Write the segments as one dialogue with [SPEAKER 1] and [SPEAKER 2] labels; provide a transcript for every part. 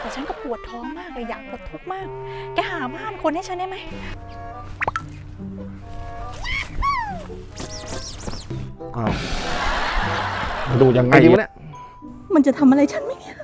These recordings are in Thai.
[SPEAKER 1] ฉันก็ปวดท้องมากเลยอยากปวดทุกข์มากแกหาบ้านคนให้ฉันได้ไหม
[SPEAKER 2] อ้าวดูยังไงดีวะเนี่ย
[SPEAKER 1] มันจะทำอะไรฉันไหมเนี่ย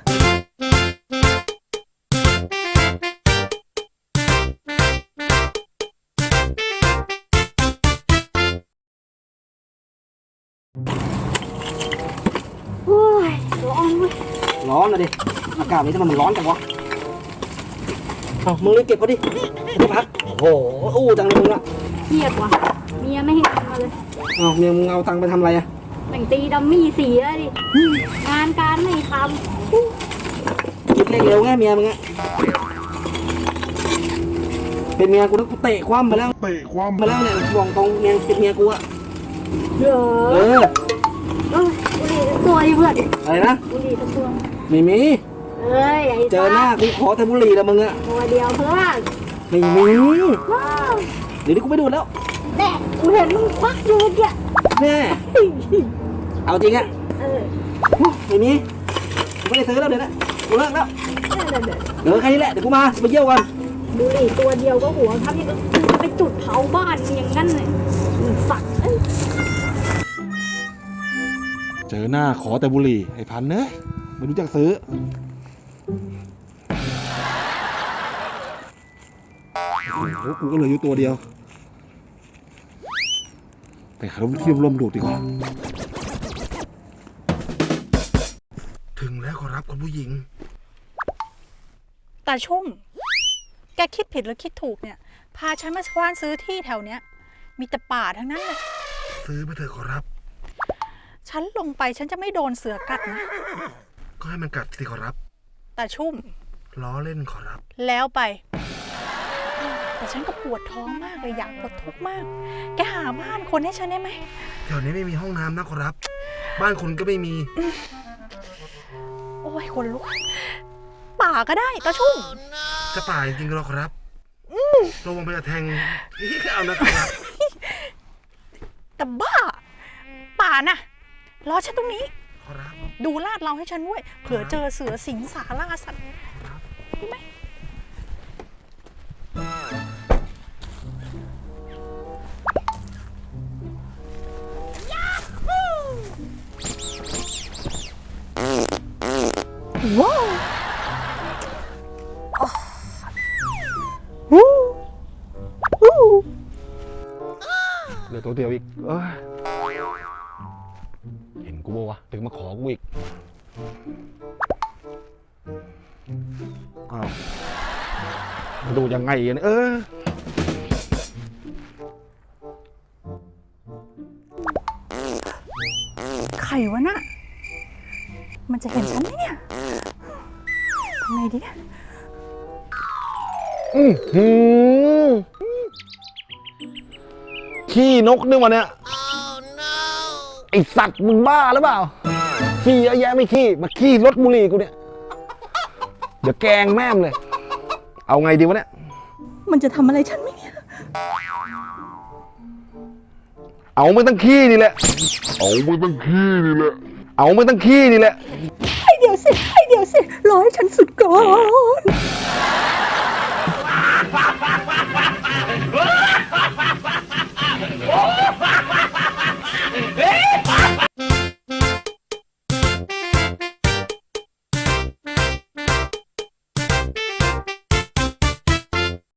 [SPEAKER 3] โอ้ยร้อนเว้ย
[SPEAKER 4] ร้อนเลยดิอากาศนี้ทำไมมันร้อนจังวะเอามึงรีบเก็บเขาดิไม่พักโอ้โหอู้จังเลยมึงอะ
[SPEAKER 3] เครียดว่ะเมียไม่ให้ทำมาเลย
[SPEAKER 4] เอาเมียมึงเอาตังค์ไปทำอะไรอะ
[SPEAKER 3] แต่งตีดัมมี่เสียดิงานการไม่ท
[SPEAKER 4] คิดเลขเร็วไงเมียมึงอะเป็นเมียกูแล้วกูเตะคว่ำไปแล้วมาแล้วเนี่ยบอกตรงเมียเป็นเมียกูอะ
[SPEAKER 3] ำเดี๋ยว
[SPEAKER 4] เออ
[SPEAKER 3] บุหรี่ทั้งตัวดิเพื่อน
[SPEAKER 4] อะไรนะ
[SPEAKER 3] บุหรี่ทั้งตัว
[SPEAKER 4] ไม่มี
[SPEAKER 3] เอ้ยไอ้
[SPEAKER 4] เจอหน้ากูขอแต่บุหรี่แล้วมึงอะ
[SPEAKER 3] ตัวเดียวเพื่อน
[SPEAKER 4] ไม่มี
[SPEAKER 3] ว้าว
[SPEAKER 4] เดี๋ยวนี้กูไม่ดูดแล้ว
[SPEAKER 3] แน่กูเห็นมึงควักอยู่เนี่ย
[SPEAKER 4] แน่เอาจริงอะ
[SPEAKER 3] เออ
[SPEAKER 4] ไม่มีกูไม่ได้ซื้อแล้วเดี๋ยวนะกูเลิกแล้ว
[SPEAKER 3] เดี๋ยว
[SPEAKER 4] แค่นี้แหละเดี๋ยวกูมาไปเยี่ยวกัน
[SPEAKER 3] บุหรี่ตัวเดียวก็หัวครับนี่ก็ไปจุดเผาบ้านอย่างนั้นเลยสักเอ้ย
[SPEAKER 2] เจอหน้าขอแต่บุหรี่ไอ้พันเนยไม่รู้จักซื้อโอ้โหกูก็เหลืออยู่ตัวเดียวไปหาที่ร่มดูดดีกว่าถึงแล้วขอรับคุณผู้หญิง
[SPEAKER 1] ตาชุ่มแกคิดผิดหรือคิดถูกเนี่ยพาฉันมาคว้านซื้อที่แถวเนี้ยมีแต่ป่าทั้งนั้นเลย
[SPEAKER 2] ซื้อไปเถอะขอรับ
[SPEAKER 1] ฉันลงไปฉันจะไม่โดนเสือกัดนะ
[SPEAKER 2] ก็ให้มันกัดสิขอรับ
[SPEAKER 1] ตาชุ่ม
[SPEAKER 2] ล้อเล่นขอรับ
[SPEAKER 1] แล้วไป แต่ฉันก็ปวดท้องมากเลยอยากปวดทุกข์มากแกหาบ้านคนให้ฉันได้ไหม
[SPEAKER 2] แถวนี้ไม่มีห้องน้ำนะขอรับ บ้านคุณก็ไม่มี
[SPEAKER 1] โอ้ยคนลุกป่าก็ได้ตาชุ่ม
[SPEAKER 2] จะป่าจริงๆเหรอขอรับระวังไปจะแทงนี่เอานะขอรับ
[SPEAKER 1] แต่บ้า ป่าน่ะรอฉันตรงนี้
[SPEAKER 2] ขอรับ
[SPEAKER 1] ดูลาดเราให้ฉันด้วยเผื่อเจอเสือสิงสาราสัตว์ได้ไหมว้าววู้วู้
[SPEAKER 2] เหลือตัวเดียวอีกเห็นกูบ่วะถึงมาขอกูอีกอ้าวดูยังไงเนี่ย
[SPEAKER 1] ไข่วะน่ะมันจะเห็นฉันไหมเนี่ยทำไงดีเนี่ย
[SPEAKER 2] ขี้นกนี่วะเนี่ยไอสัตว์มึงบ้าหรือเปล่าขี้เยอะแยะไม่ขี้มาขี้รถบุหรี่กูเนี่ยเดี๋ยวแกงแม่มเลยเอาไงดีวะเนี่ย
[SPEAKER 1] มันจะทำอะไรฉันไหมเนี่ย
[SPEAKER 2] เอาไม่ต้องขี้นี่แหละเอาไม่ต้องขี้นี่แหละ
[SPEAKER 1] ให้เดี๋ยวสิรอให้ฉันสุดก่อน